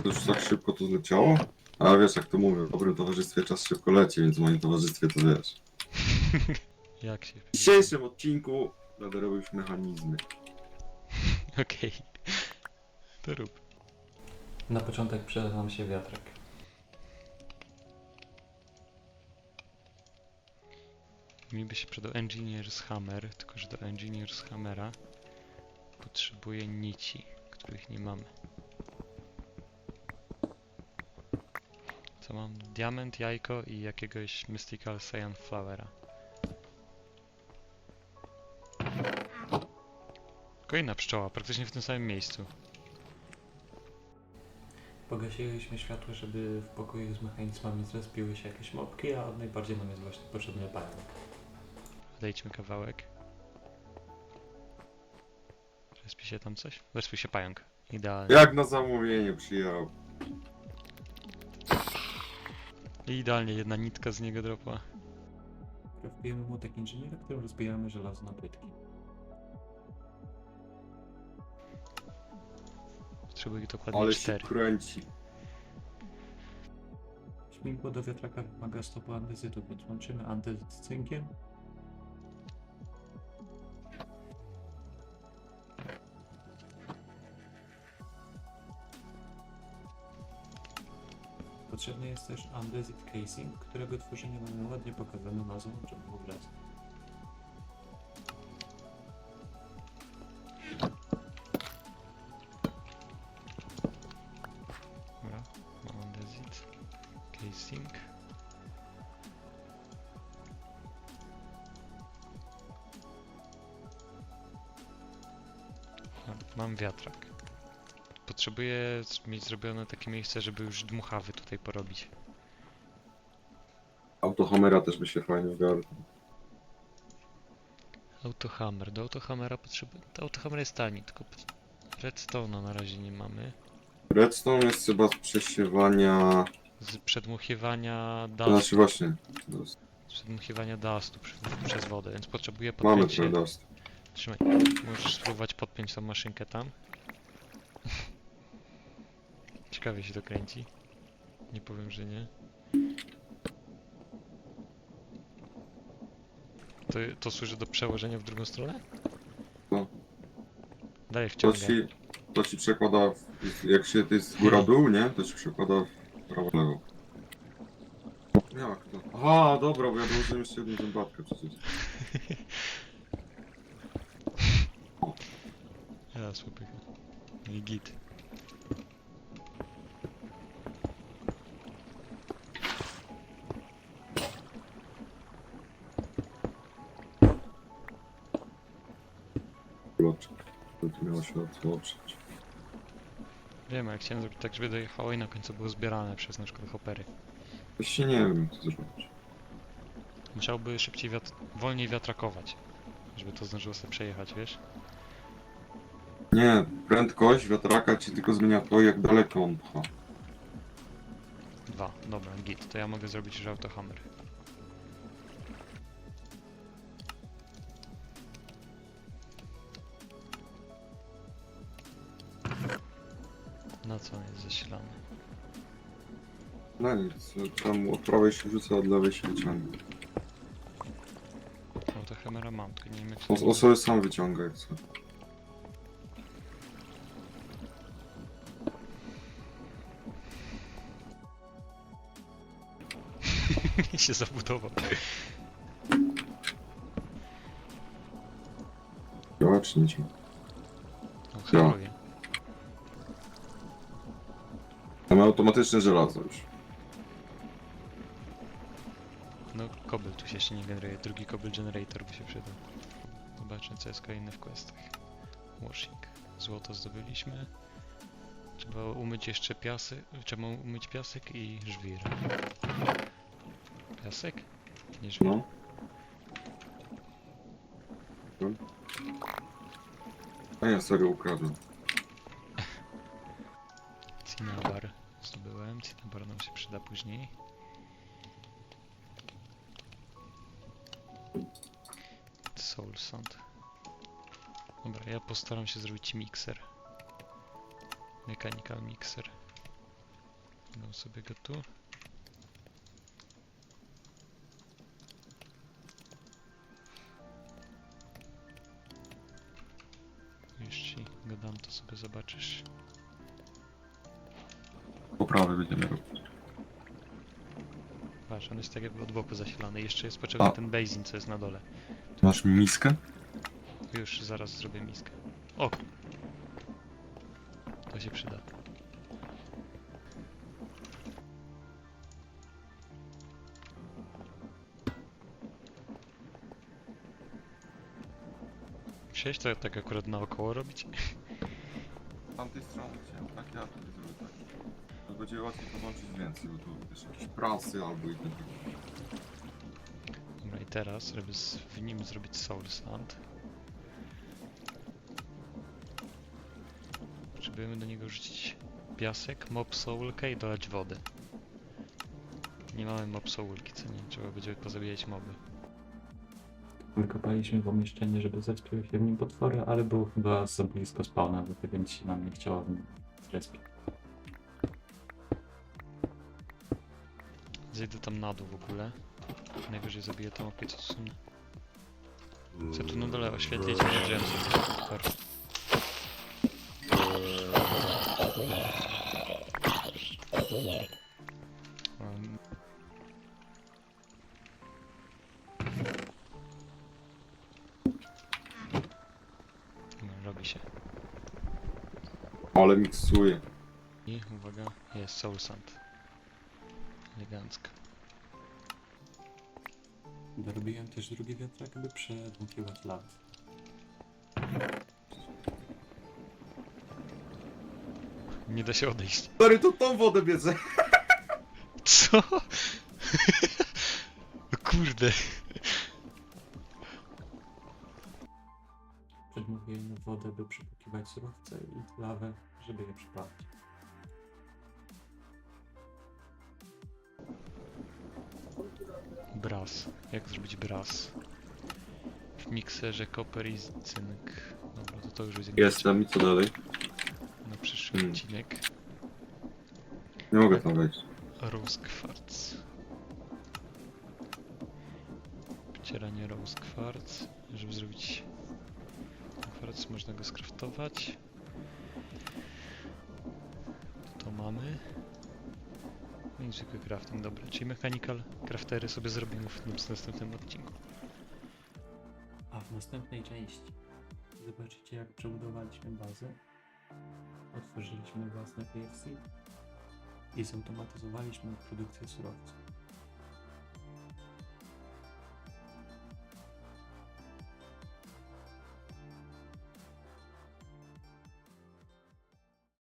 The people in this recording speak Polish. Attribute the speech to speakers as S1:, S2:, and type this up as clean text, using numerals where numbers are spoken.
S1: to już tak szybko to zleciało? A wiesz jak to mówię, w dobrym towarzystwie czas szybko leci, więc w moim towarzystwie to wiesz.
S2: Jak się...
S1: W dzisiejszym odcinku będę robił już mechanizmy.
S2: Okej. To rób.
S3: Na początek przyda nam się wiatrak.
S2: Mi by się przydał Engineer's Hammer, tylko że do Engineer's Hammera potrzebuję nici, których nie mamy. Co mam? Diament, jajko i jakiegoś Mystical Cyan Flowera. Kolejna pszczoła, praktycznie w tym samym miejscu.
S3: Pogasiliśmy światło, żeby w pokoju z mechanizmami zrespiły się jakieś mopki, a najbardziej nam jest właśnie potrzebny pająk.
S2: Odejdźmy kawałek. Respi się tam coś? Respi się pająk. Idealnie.
S1: Jak na zamówienie przyjechał.
S2: I idealnie jedna nitka z niego dropła.
S3: Wpijemy młotek inżyniera, którym rozbijamy żelazo na płytki.
S2: Potrzebuję dokładnie
S1: Ale się
S2: 4.
S1: kręci.
S3: Śmigło do wiatraka wymaga stopu andezytu, więc łączymy andezyt z cynkiem. Potrzebny jest też andezyt casing, którego tworzenie mamy ładnie pokazane nazwą, żeby w ogóle.
S2: Dobra, mam andezit. Casing. Mam wiatrak. Potrzebuję mieć zrobione takie miejsce, żeby już dmuchawy tutaj porobić.
S1: Autohamera też by się fajnie ogarnął.
S2: Autohammer. Do autohammera potrzebuję... To autohammer jest tani, tylko redstone'a na razie nie mamy.
S1: Redstone jest chyba z przesiewania...
S2: Z przedmuchiwania
S1: To znaczy
S2: dustu.
S1: właśnie...
S2: Przedmuchiwania dustu przez wodę, więc potrzebuję
S1: Mamy
S2: podpiąć się...
S1: trochę dust.
S2: Trzymaj. Możesz spróbować podpiąć tą maszynkę tam. Ciekawie się to kręci. Nie powiem, że nie. To służy do przełożenia w drugą stronę?
S1: No.
S2: Daję
S1: To
S2: wciągę.
S1: to ci przekłada... Jak się to jest góra-dół, nie? To ci przekłada w prawo-lewo. Jak to? Aha, dobra, bo ja dołożyłem jeszcze jedną zębatkę przecież.
S2: Ja słupy. I git.
S1: Bloczek. To tu miało się otworzyć.
S2: Wiem, jak chciałem zrobić tak, żeby dojechało i na końcu było zbierane przez na przykład hopery.
S1: Właściwie nie wiem, co zrobić.
S2: Musiałby szybciej wolniej wiatrakować, żeby to zdążyło sobie przejechać, wiesz?
S1: Nie, prędkość wiatraka ci tylko zmienia to, jak daleko on pcha.
S2: 2. Dobra, git. To ja mogę zrobić już autohammer. Na co on jest zasilany?
S1: No nic, tam od prawej się rzuca, od lewej się wyciąga.
S2: Autohammera mam, tylko nie wiem jak
S1: On sobie sam wyciąga, jak chce.
S2: się zabudował.
S1: Działa czy nie działa?
S2: No, haruje.
S1: Mamy automatyczne żelazo już.
S2: No, kobyl tu się jeszcze nie generuje. Drugi kobyl generator by się przydał. Zobaczmy, co jest kolejne w questach. Washing. Złoto zdobyliśmy. Trzeba umyć jeszcze piasek. Trzeba umyć piasek i żwir. Piasek? Nie żwir.
S1: No. A ja serio ukradłem.
S2: Cinnabar zdobyłem. Cinnabar nam się przyda później. Soul Sand. Dobra, ja postaram się zrobić mikser. Mechanical mixer. Dam sobie go tu. Jeśli go dam, to sobie zobaczysz.
S1: Poprawy będziemy robić.
S2: Patrz, on jest tak jakby od boku zasilany. Jeszcze jest potrzebny
S1: A.
S2: ten basin, co jest na dole.
S1: Masz miskę?
S2: Już zaraz zrobię miskę. O! To się przyda. Musiałeś to tak akurat naokoło robić?
S1: Z tamtej strony chciałem, tak ja tutaj zrobię tak. To będzie łatwiej połączyć więcej, bo tu wiesz, jakieś prasy albo i tak.
S2: Dobra, i teraz, żeby w nim zrobić soul sand, potrzebujemy do niego rzucić piasek, mob soulkę i dolać wody. Nie mamy mob soulki, co nie? Trzeba będzie pozabijać moby.
S3: Wykopaliśmy pomieszczenie, żeby zespiły się w nim potwory, ale było chyba za blisko spawna, dlatego nic się nam nie chciało zrespić.
S2: Zejdę tam na dół w ogóle. Najwyżej zabiję tą opie, co są. Chcę tu na dole oświetlić, nie wziąłem sobie. Super. Um, no, robi się.
S1: Ale miksuję.
S2: I uwaga, jest soul sand. Elegancko.
S3: Dorobiłem też drugi wiatrak, by przedmukiwać lawę.
S2: Nie da się odejść.
S1: Stary, to tą wodę bierze.
S2: Co? O kurde.
S3: Przedmukiłem wodę, by przypukiwać surowce i lawę, żeby je przypalić.
S2: Brass. Jak zrobić brass? W mikserze koper i cynk. Dobra, to już będzie
S1: Jestem i co dalej?
S2: na przyszły odcinek.
S1: Nie mogę tam wejść.
S2: Rose Quartz. Wcieranie Rose Quartz. Żeby zrobić kwarc, można go skraftować. To mamy. No i zwykły crafting, dobra. Czyli mechanical craftery sobie zrobimy w następnym odcinku.
S3: A w następnej części zobaczycie, jak przebudowaliśmy bazę, otworzyliśmy własne KFC i zautomatyzowaliśmy produkcję surowców.